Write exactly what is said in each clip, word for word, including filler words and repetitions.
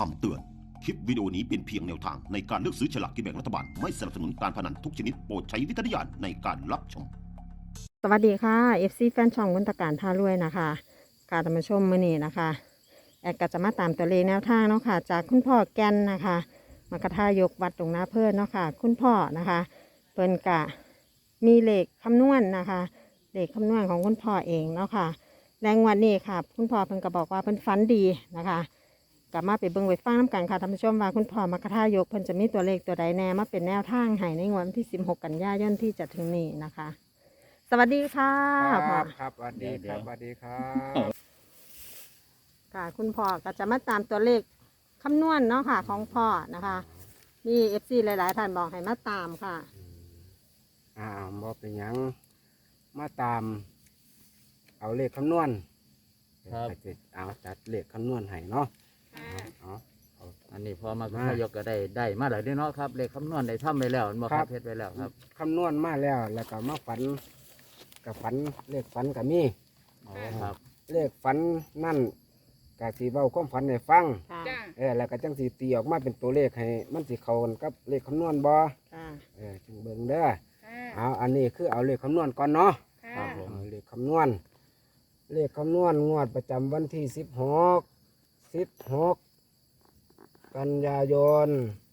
คำเตือน คลิปวิดีโอนี้เป็นเพียงแนวทางในการเลือกซื้อฉลากกินแบ่งรัฐบาล ไม่สนับสนุนการพนันทุกชนิดโปรดใช้วิจารณญาณในการรับชมสวัสดีค่ะ เอฟ ซี แฟนช่องมนตการพารวยนะคะการมาชมมื้อนี้นะคะแอดก็จะมาตามตัวเลขแนวทางเนาะค่ะจากคุณพ่อแกนนะคะมากระทายกวัดตรงหน้าเพื่อนเนาะค่ะคุณพ่อนะคะเพิ่นกะมีเลขคำนวณนะคะเลขคำนวณของคุณพ่อเองเนาะค่ะแรงวันนี้ค่ะคุณพ่อเพิ่นก็บอกว่าเพิ่นฝันดีนะคะกลับมาไปเบิ่งไปฟังน้ำกันค่ะท่านผู้ชมว่าคุณพ่อมากระทายกเพิ่นจะมีตัวเลขตัวใดแน่มาเป็นแนวทางให้ในงวดวันที่สิบหกกันยายนที่จะถึงนี้นะคะ สวัสดีค่ะคพ่อรับครับสวัสดีครับสวัสดีครับค่ะคุณพ่อก็จะมาตามตัวเลขคำนวณเนาะค่ะ ของพ่อนะคะมีเอฟซีหลาย ๆ ท่านบอกให้มาตามค่ะอ่าบอเป็นหยังมาตาม เอาเลขคำนวณครับอาจจะเอาจัดเลขคำนวณให้เนาะเอาเอาอันนี้พอมามาพยกก็ได้ได้มาหลายเนาะครับเลขคำนวณได้ทำไปแล้วบ่คครัรับบ เพชรไปแล้วครับคำนวณมาแล้วแล้วก็มาฝันกับฝันเลขฝันกับมีอ๋อครับเลขฝันนั่นกะสีเบาความฝันให้ฟังค่ะเออแล้วก็จังสีตีออกมาเป็นตัวเลขให้มันสิเข้ากันกับเลขคำนวณบ่ค่ะเออจึงเบิ่งเด้อเอาอันนี้คือเอาเลขคำนวณก่อนเนาะครับผมเอาเลขคำนวณ เลขคำนวณงวดประจำวันที่สิบหก สิบหก กันยายน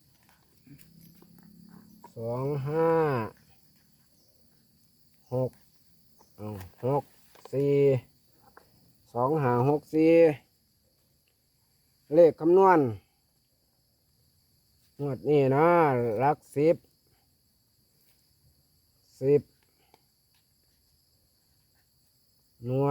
สองห้า หกเอาหกสี่ สองห้าหกสี่ เลขคำนวณ งวดนี้นะหลักสิบ สิบ หน่วย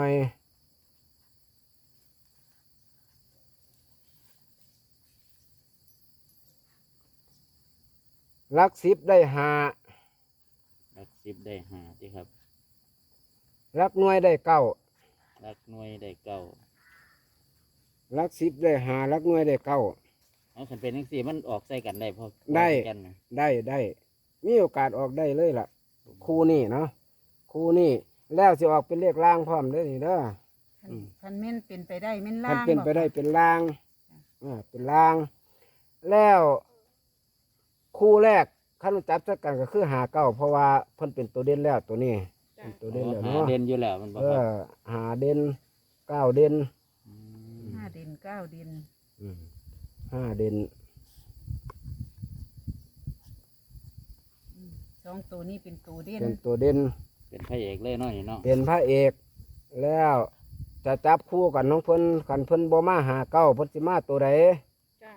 หลักสิบได้ห้าหลักสิบได้ห้าที่ครับหลักหน่วยได้เก้าหลักหน่วยได้เก้าหลักสิบได้ห้าหลักหน่วยได้เก้าเอาคันเป็นจังซี่มันออกใส่กันได้พอได้พอกันนะได้ได้มีโอกาสออกได้เลยล่ะ คู่นี่เนาะคู่นี่แล้วสิออกเป็นเลขล่างพร้อมเด้อนี่เด้อ อืมคันเม่นเป็นไปได้เม่นมัล่าน งเป็นไปได้เป็นล่างอ่าเป็นล่าง แล้วคู่แรกขั้นจับจักกันก็คือหาเก้าเพราะว่าเพิ่นเป็นตัวเด่นแล้วตัวนี้เป็นตัวเด่นแล้วหาเนาะเด่นอยู่แล้วมันบ่เอครับอหาเด่นเก้าเด่นมห้าเด่นเก้าเด่นอืมห้าเด่นสองตัวนี้เป็นตัวเด่นเป็นตัวเด่นเป็นพระเอกเลยเนาะนี่เนาะเป็นพระเอก แล้วจะจับคู่กันน้องเพิ่นกันเพิ่นบ่มาหาเก้าเพิ่นสิมาตัวใดจ้า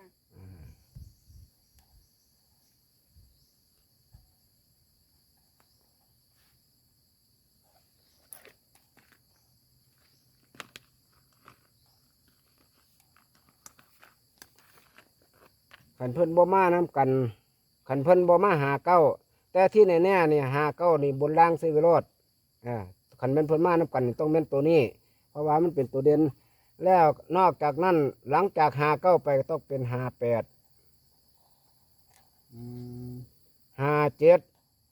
ขันเพิ่นบ่มาน้กันขันเพิ่นบ่มาหาเก้าแต่ที่แน่ๆนี่หาเก้านี่บนล่างซื้อไว้รอดอ่าขันเป็นเพิ่นมาน้กันนี่ต้องเป็นตัวนี้ เพราะว่ามันเป็นตัวเด่นแล้วนอกจากนั้นหลังจากหาเก้าไปก็ต้องเป็นหาแปดอืมหาเจ็ด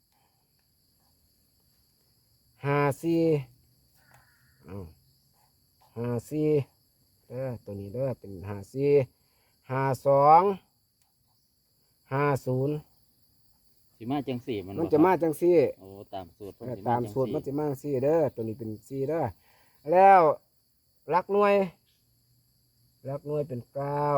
หาสี่เอาหาสี่เด้อตัวนี้เด้อเป็นหาสี่หาสองห้าศูนย์สิมาจังสี่มันมันบ่จะมาครับจังซี่โอ้ตามสูตรเพิ่นเออสิตามจังสูตรมันสี่จะมาจังซี่เด้อตัวนี้เป็นซี่เด้อแล้วหลักหน่วยหลักหน่วยเป็นเก้า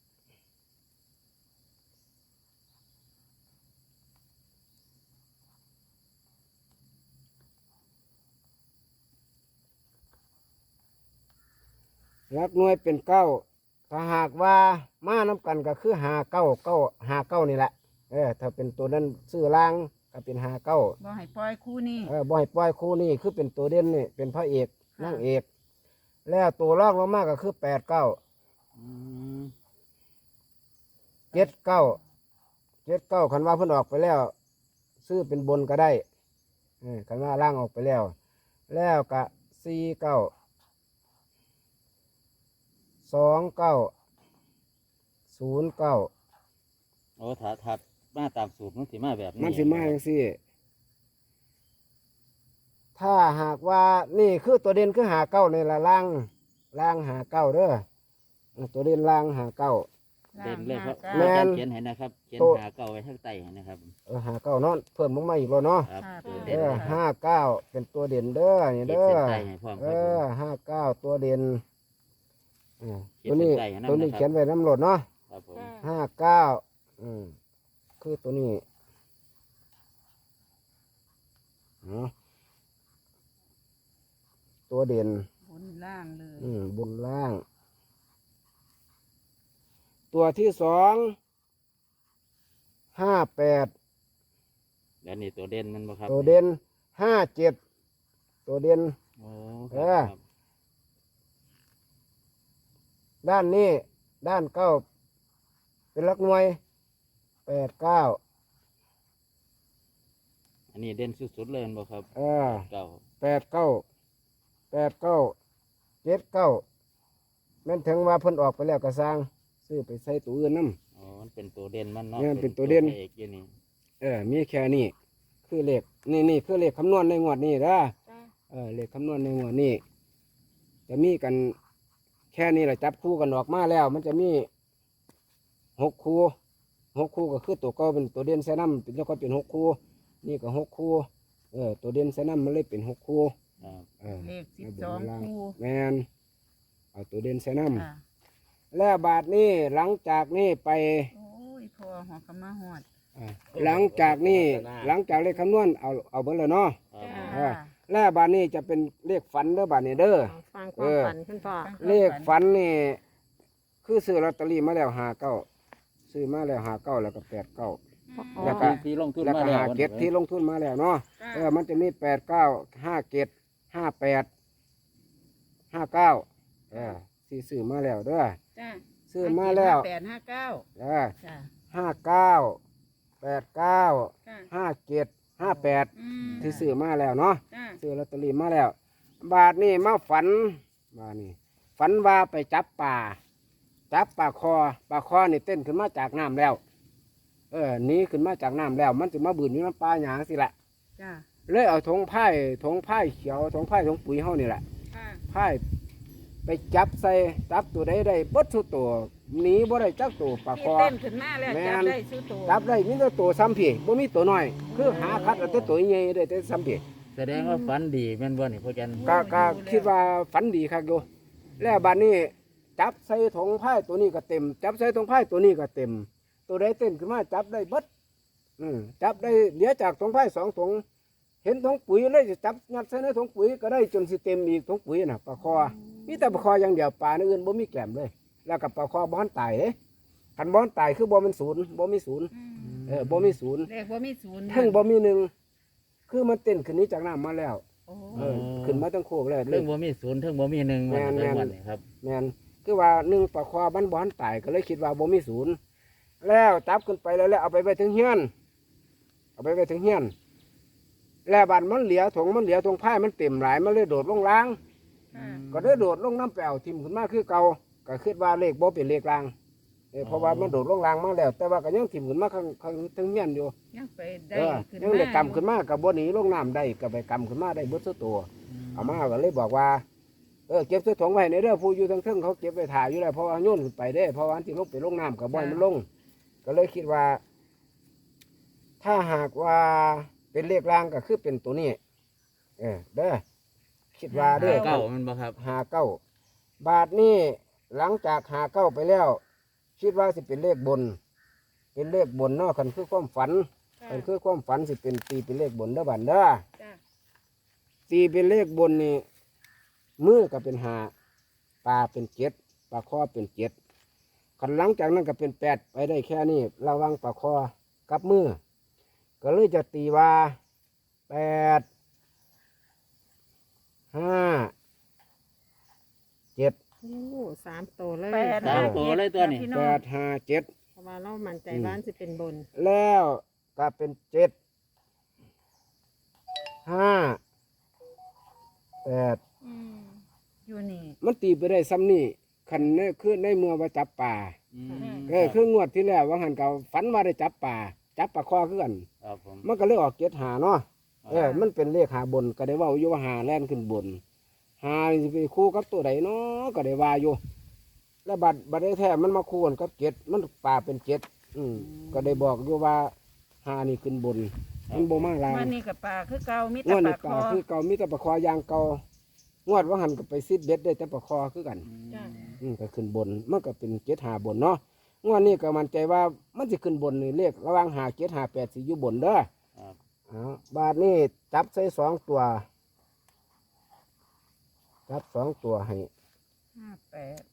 หลักหน่วยเป็นเก้าถ้าหากว่ามาน้ำกันก็คือหาเก้าเก้าหาเก้านี่แหละเออถ้าเป็นตัวนั้นซื้อล่างก็เป็นหาเก้าบ่ให้ปล่อยคู่นี้เออบ่อยปล่อยคู่นี่คือเป็นตัวเด่นนี่เป็นพระเอกนางเอก แล้วตัวรองลงมาก็คือแปดเก้าอืมเจ็ดเก้าเจ็ดเก้าคันว่าเพิ่นออกไปแล้ว ซื้อเป็นบนก็ได้เออคันว่าล่างออกไปแล้ว แล้วก็สี่เก้าสองเก้าศูนย์เก้าโอ้ถ้าถ้ามาตามสูตรมันสิมาแบบนี้มันสิมาจังซี่ ถ้าหากว่านี่คือตัวเด่นคือหาเก้าในละล่างล่างหาเก้าเด้อตัวเด่นล่างหาเก้าเด่นเลยครับแม่นเขียนให้นะครับเขียนโตหาเก่าไว้ข้างใต้ให้นะครับเออหาเก้าเนาะเพิ่มลงมาอีกแล้วเนาะครับค่ะตัวเอเด่นอนะครับห้าเก้าเป็นตัวเด่นเด้อนี่ขีดเด้อเส้นใต้ให้พร้อมเอครับผมอห้าเก้าตัวเด่นเออขีดตัวนี้เส้นใต้ให้นำตัวนี้นะครับเขียนไว้น้ำโหลดเนาะครับผมห้าเก้าอืมคือตัวนี้เนาะตัวเด่นบนล่างเลยอืมบนล่าง ตัวที่สองห้าแปดแล้วนี่ตัวเด่นมันบ่ครับตัวเด่นห้าเจ็ดตัวเด่นโอ้เอคอรับครับด้านนี้ด้านเก้าเป็นหลักหน่วยแปดเก้าอันนี้เด่นสุดๆเลยแม่นบ่ครับเออเก่าแปดเก้าแปดเก้าเจ็ดเก้าแม่นถึงว่าเพิ่นออกไปแล้วก็สร้างซื้อไปใส่ตัวอื่นน้ำอ๋อมันเป็นตัวเด่นมันเนาะเนี่ยมันเป็นตัวเด่นพระเอกอยู่นี่เออมีแค่นี้คือเลขนี่นี่คือเลขคำนวณในงวดนี้นะจ้าเออเลขคำนวณในงวดนี้จะมีกันแค่นี้แหละจับคู่กันออกมาแล้ว มันจะมีหกคู่หกคู่ก็คือตัวเก็เป็นตัวเด่นไซนัมเป็นแล้วก็เป็นหกคู่นี่ก็หกคู่เออตัวเด่นไซนัมมันเลยเป็นหกคู่ครับเออเลขสิบในสองนล่างคู่แมนเอาตัวเด่นไซนัมค่ะแล้วบาทนี้หลังจากนี้ไปโอ้ยพอหัวกำมาหอดอ่าหลังจากนี้หลังจากเลขคำนวณเอาเอาเบอร์เลยเนาะครับจ้าเออ แล้วบาทนี้จะเป็นเลขฝันเด้อบาทนี้เด้อฟังความฝันคุณพ่อเลขฝันนี่คือซื้อลอตเตอรี่มาแล้วหาเก้าซื้อมาแล้วหาเก้าแล้วก็แปดเก้า แล้วก็ที่ลงทุนแล้วมาก็แล้วหาเก็ดที่ลงทุนมาแล้วเนาะเออมันจะมีแปดเก้าห้าเก็ดห้าแปดห้าเก้าเออที่ซื้อมาแล้วเด้อจ้าซื้อมาแล้วแปดห้าเก้าเออจ้าห้าเก้าแปดเก้าจ้าห้าเจ็ดห้าแปดอืมที่ซื้อมาแล้วเนาะจ้าซื้อลอตเตอรี่มาแล้ว บาทนี่มาฝันบาทนี่ฝันว่าไปจับป่า จับปลาคอปลาคอนี่เต้นขึ้นมาจากน้ำแล้ว เออหนี้ขึ้นมาจากน้ำแล้ว มันจะมาบืนอยู่น้ำปลาหยางสิละจ้าเลยเอาถงไผ่ถงไผ่เขียวถงไผ่ถงปุ๋ยเฮานี่แหละค่ะไผ่ไปจับใส่จับตัวใดได้เบดทุกตัวหนีบ่ได้จักตัวปลาคที่อเต้นขึ้นมาแล้วแม่จับนได้ซื้อตัวจับได้มีแต่ตัวซ้ำพี่บ่มีตัวน้อย คือหาคัดเอาแต่ตัวใหญ่ได้แต่ซ้ำพี่แสดงว่าฝันดีแม่นบ่นี่พ่อจันก็ก็คิดว่าฝันดีครับโยแล้วบัดนี้จับใส่ถงไผ่ตัวนี้ก็เต็ม จับใส่ถงไผ่ตัวนี้ก็เต็ม ตัวใดเต้นขึ้นมาจับได้เบิดอืมจับได้เหลือจากถงไผ่สองถงเห็นถงปุ๋ยเลยจะจับยัดใส่ในถงปุ๋ยก็ได้จนสิเต็มอีกถงปุ๋ยน่ะปลาคอมีแต่ปลาคออย่างเดียวปลาอื่นบ่มีแกล้มเลย แล้วกับปลาคอบ่ทันตายเด้คันบ่ทันตายคือบ่เป็นศูนย์บ่มีศูนย์อืมเออบ่มีศูนย์เลขว่ามีศูนย์ทั้งบ่มีหนึ่งคือมันเต้นขึ้นนี้จากน้ำมาแล้วโอ้เออขึ้นมาตั้งโคกแล้วเลเรื่ยองบ่มีศูนย์เรื่องบ่มีหนึ่งแม่มันนเป็นแม่นวันนี่ครับแม่นคือว่าหนึ่งปลาคอบ้านบอนตายก็เลยคิดว่าบ่มีศูนย์แล้วจับขึ้นไปแล้วแล้วเอาไปไว้ถึงเฮียนเอาไปไว้ถึงเฮียนแล้วบานมันเหลียถงมันเหลียถงไผ่มันเต็มหลายมันเลยโดดลงล้างค่ะก็เลยโดดลงน้ำแปวทิ่มขึ้นมาคือเก่าก็คิดว่าเลขบ่เป็นเลขลางเออเพราะว่ามันโดดลงล้างมาแล้ว แต่ว่าก็ยังทิ่มขึ้นมาข้างข้างถึงเฮียนอยู่ยังไปได้เออขึ้นยังมาได้กำขึ้นมากับบ่หนีลงน้ำได้ก็ไปกำขึ้นมาได้เบิดซุตัว เอามาก็เลยบอกว่าเออเก็บใส่ถุงไว้ในเรื่องผู้อยู่ทั้งเทิงเขาเก็บไปถ่ายอยู่แล้วเพราะว่าโยนขึ้นไปได้เพราะว่าอันที่ลงไปลงน้ำกับบ่อยมันลง ก็เลยคิดว่า ถ้าหากว่าเป็นเลขรางก็คือเป็นตัวนี้เออเด้อคิดว่าเด้อเก้ามันบ่ครับหาเก้าบาทนี้หลังจากหาเก้าไปแล้ว คิดว่าสิเป็นเลขบน เป็นเลขบนเนาะคันคือความฝันค่ะคันคือความฝันสิเป็นตีเป็นเลขบนเด้อบันเด้อจ้าตีเป็นเลขบนนี่มือก็เป็นหาปลาเป็นเจ็ดปลาคอเป็นเจ็ดขันหลังจากนั้นก็เป็นแปดไปได้แค่นี้ระวังปลาคอกับมือ ก็เลยจะตีว่าแปดห้าเจ็ดโอ้สามตัวเลยแปดสามตัวเลยตัวนี้พี่แปน้องดห้าเจ็ดเพราะว่าเรามั่นใจว่าจะเป็นบนแล้วก็เป็นเจ็ดห้าแปดอืมอยู่นี่มันตีไปได้ซ้ำนี่ขันเนี่ยคือในเมื่อว่าจับป่าอืมเออคืองวดที่แล้วว่าหันเก่าฝันว่าได้จับป่า จับปลาคอคือกันครับผมมันก็เลยออกเจ็ดหาเนาะเออมันเป็นเลขหาบนก็ได้ว่าอยู่ว่าหาแล่นขึ้นบนหาสิไปคู่กับตัวใดเนาะก็ได้ว่าอยู่แล้วบัดบัดได้แท้มันมาคู่กันกับเจ็ดมันป่าเป็นเจ็ดอืมก็ได้บอกอยู่ว่าหานี่ขึ้นบนมันบ่มาลางวันนี้กับปลาคือเก่ามีงแต่วดปนี่ลาคป่าอคือเก่ามีแต่ปลาคอยางเก่างวดว่าหันก็ไปซิดเบ็ดได้แต่ปลาคอคือกันจ้ะอืมก็ขึ้นบนมันก็เป็นเจ็ดหาบนเนาะงวดนี้ก็มั่นใจว่ามันจะขึ้นบนนี่เลขระหว่างหาเจ็ดหาแปดสิอยู่บนเด้อครับเอาบาทนี้จับใส่สองตัว จับสองตัวให้ห้าแปด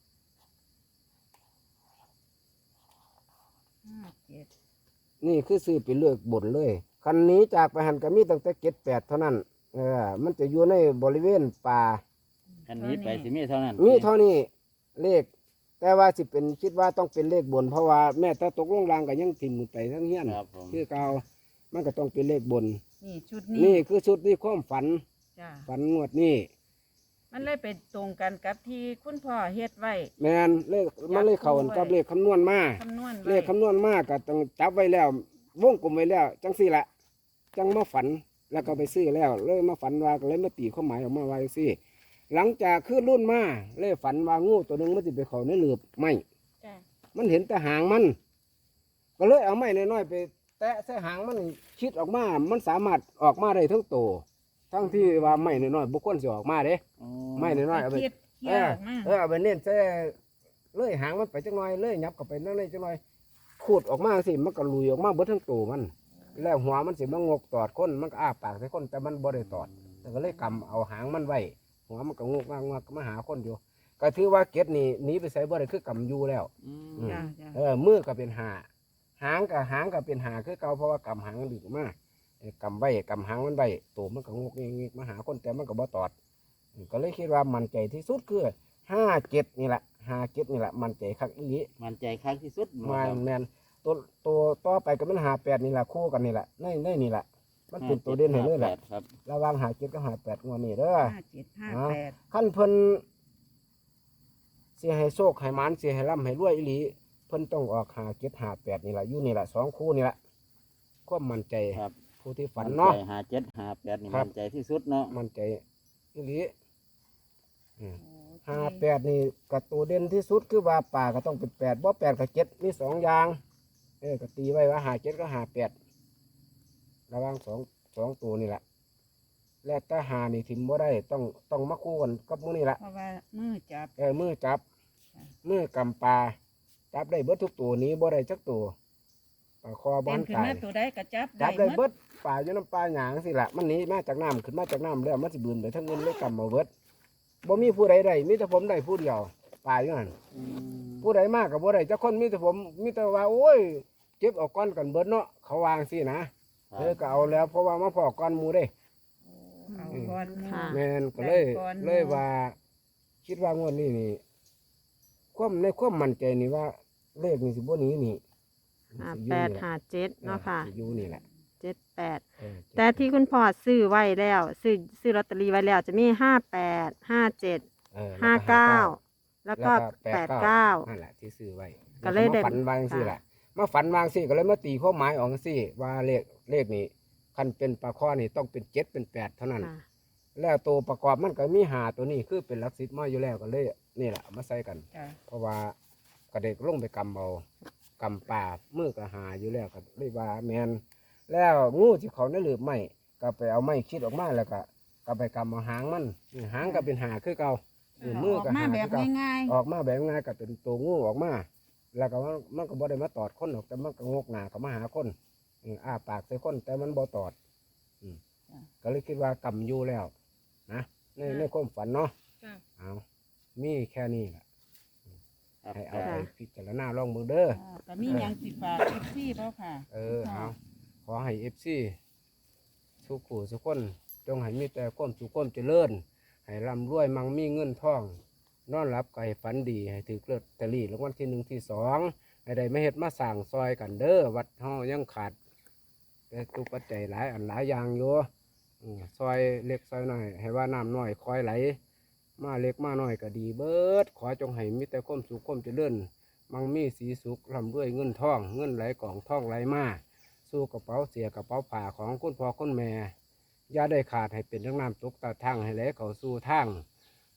ห้าเจ็ดนี่คือซื้อไปเลือกบนเลยคันนี้จากไปหันก็มีตั้งแต่เจ็ดแปดเท่านั้นเออมันจะอยู่ในบริเวณป่าอันนี้ไปสิมีเท่านั้นมีเท่านี้เลข แต่ว่าสิเป็นคิดว่าต้องเป็นเลขบน เพราะว่าแม่ถ้าตกลงรางก็ยังถิ่มมือไปทั้งเฮียนครับผมคือเก่ามันก็ต้องเป็นเลขบนนี่ชุดนี้นี่คือชุดที่ความฝันจ้ะฝันงวดนี้มันเลยไปตรงกันกับที่คุณพ่อเฮ็ดไว้แมนเลขมันเลขเขากับเลขคำนวณมาคำนวณไว้เลขคำนวณมากก็ต้องจับไว้แล้ว วงกลมไว้แล้ว จังสี่ละจังมาฝันแล้วก็ไปซื้อแล้วเลยมาฝันว่าก็เลยมาตีข้อหมายออกมาว่าจังซี่ หลังจากขึ้นรุ่นมาเลยฝันว่างูตัวหนึ่งมันจะไปเขาในหลืบไม่จ้ะมันเห็นแต่หางมัน ก็เลยเอาไม้น้อยๆไป แตะใส่หางมันคิดออกมา มันสามารถออกมาได้ทั้งโตวทั้งที่ว่าไม้น้อยๆบุคคลสิออกมาเด้อ๋อไม้น้อยๆเอาไปเครียดเครีเอยดอออกมาเออเอาไปเน้นใส่เลยหางมันไปจังหน่อยเลยยับเข้าไปนั่นเลยจังหน่อยขูดออกมาสิมันก็ลุยออกมาเบิดทั้งตัวมัน แล้วหัวมันสิมันงกตอดคนมันก็อ้าปากใส่คนแต่มันบ่ได้ตอด แต่ก็เลยกำเอาหางมันไว้หัวมันก็งกงากงากมาหาคนอยู่ก็ถือว่าเก็ดนี่หนีไปใส่บ่ได้คือกำอยู่แล้วอืมอืมจ้ะจ้ะเออมือก็เป็นหาหางกับหางก็เป็นหาคือเก่าเพราะว่ากำหางมันดึกมากกำไว้กำหางมันไว้ตัวมันก็งกเงี้ยมาหาคนแต่มันก็บ่ตอดอืมก็เลยคิดว่ามันใจที่สุดคือห้าเจ็ดนี่แหละห้าเจ็ดนี่แหละมันใจคักอีหลีมันใจครั้งที่สุดแมนแมนตัวตัวต่อไปก็มันหาแปดนี่แหละคู่กันนี่แหละในในนี่แหละมันเป็นตัวเด่นให้เลยแหละครับระหวังหาเจ็ดกับหาแปดงวดนี้เด้อห้าเจ็ดห้าแปดขั้นเพิ่นเสียให้โชคให้หมานเสียให้ร่ำให้รวยอีหลีเพิ่นต้องออกหาเจ็ดหาแปดนี่แหละอยู่นี่แหละสองคู่นี่แหละความมั่นใจครับผู้ที่ฝันเนาะหาเจ็ดหาแปดนี่ครับมันใจที่สุดเนาะมั่นใจอีหลีอืมโอเคหาแปดนี่กับตัวเด่นที่สุดคือว่าป่าก็ต้องเป็นแปดบ่แปดกับเจ็ดมีสองอย่างเออก็ตีไว้ว่าหาเจ็ดก็หาแปดระหว่างสองสองตัวนี่แหละและถ้าหานี่ทิมบ่ได้ต้องต้องมาคู่กันกับมือนี่แหละเพราะว่ามือจับเออมือจับค่ะมือกำปลาจับได้เบิดทุกตัวนี้บ่ได้จักตัวปลาคอบ้าเป็น นขึ้นตายมาตัวใดก็จับจัได้บได้หมเบิดดปลาอยู่น้ำปลาหยางสิละมันหนีมาจากน้ำขึ้นมาจากน้ำแล้วมันสิบืนไปทั้งเงินเลยกำมาเบิดบ่มีผู้ใดได้มีแต่ผมได้ผู้เดียวปลาอยู่นั่นอืมผู้ใดมากกับบ่ได้จักคนมีแต่ผมมีแต่ว่าโอ้ยเจ็บเออกก้อนกันเบิดเนาะเขาวางสินะเออก็เอาแล้วเพราะว่ามาพอก้อนหมูเด้เอาก่อนหมู่ค่ะแม่นก็เลยได้ก่อนเลยว่า คิดว่างวดนี้นี่ความในความมั่นใจนี่ว่าเลขนี่สิบ่หนีนี่ห้าสิอยู่แปดนี่แหละห้าเจ็ดเนาะค่ะสิอยู่นี่แหละเจ็ดแปดเออแต่ที่คุณพ่อซื้อไว้แล้ว ซื้อซื้อลอตเตอรี่ไว้แล้วจะมีห้าแปดห้าเจ็ดเออห้าเก้าแล้วก็แปดเก้านั่นแหละที่ซื้อไว้ก็เลยได้มาฝันวางสิแหละมาฝันวางสิก็เลยมาตีข้อหมายออกสิว่าเลขเลขนี้คันเป็นปลาข้อนี่ต้องเป็นเจ็ดเป็นแปดเท่านั้นค่ะแล้วตัวประกอบมันก็มีหาตัวนี้คือเป็นหลักสิบมาอยู่แล้วก็เลยนี่แหละเอามาใส่กันจ้ะเพราะว่ากระเด็กลงไปกำเอากำป่ามือก็หาอยู่แล้วก็เลยว่าแมนแล้วงูที่เขาในหลืบไม้ก็ไปเอาไม้คิดออกมาแล้วก็ก็ไปกำเอาหางมันนี่หางก็เป็นหาคือเก่านี่มือออกก็มาหาแบคืบอเก่าง่ายออกมาแบบง่ายก็เป็นตัวงูออกมา แล้วก็มันมันก็บ่ได้มาตอดคนหรอกแต่มันก็งกหน้าเขามาหาคนอืมอ้าปากใส่คนแต่มันบ่ตอดอืมก็เลยคิดว่ากำอยู่แล้วนะในในความฝันเนาะๆจ้ะเอามีแค่นี้แหละครับให้เอาคไปรับพิจารณาลองมือเด้ออ่าก็มีหยังสิฝากเอฟซีเปล่าค่ะเออเอาขอให้เอฟซีทุกผู้ทุกคนจงให้มีแต่ความสุขความเจริญ ให้ร่ำรวยมั่งมีเงินทอง นอนหลับก็ให้ฝันดี ให้ถือเกลือตะลี่รางวัลที่หนึ่งที่สองให้ได้ไม่เห็ดมาสั่งซอยกันเด้อวัดเฮายังขาด แต่ตุปัจจัยหลายอันหลายอย่างอยู่อืมซอยเล็กซอยน้อย ให้ว่าน้ำน้อยคอยไหล มาเล็กมาน้อยก็ดีเบิด ขอจงให้มีแต่ความสุขความเจริญ มั่งมีสีสุขร่ำรวยเงินทอง เงินไหลกล่องทองไหลมาสู่กระเป๋าเสียกระเป๋าผ้าของคุณพ่อคุณแม่อย่าได้ขาดให้เป็นทั้งน้ำตกตาทางให้ไหลเข้าสู่ทาง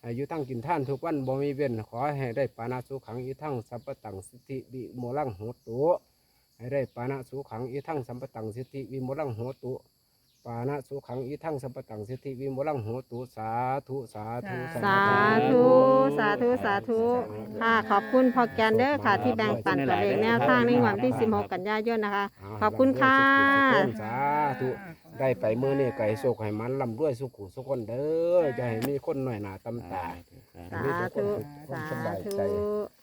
ให้อยู่ทั้งกินท่านทุกวันบ่มีเว้นขอให้ได้ปานาสุขังอีทั้งสัพพตังสิทธิวิโมลังโหตุให้ได้ปานาสุขังอีทั้งสัพพตังสิทธิวิโมลังโหตุปานะสุขังอีทั้งสัพพตังสิทธิวิโมลังโหตุสาธุสาธุสาธุ สาธุ สาธุ ค่ะ ขอบคุณพ่อแกนเด้อค่ะ ที่แบ่งปันตัวเลขแนวทางในวันที่สิบหกกันยายนนะคะ ขอบคุณค่ะสาธุได้ไปเมื่อนี่ไก่โศกให้มันลำด้วยสุขุสุขคนเด้อจะให้มีคนหน่อยหนาตำตาสาธุ สาธุ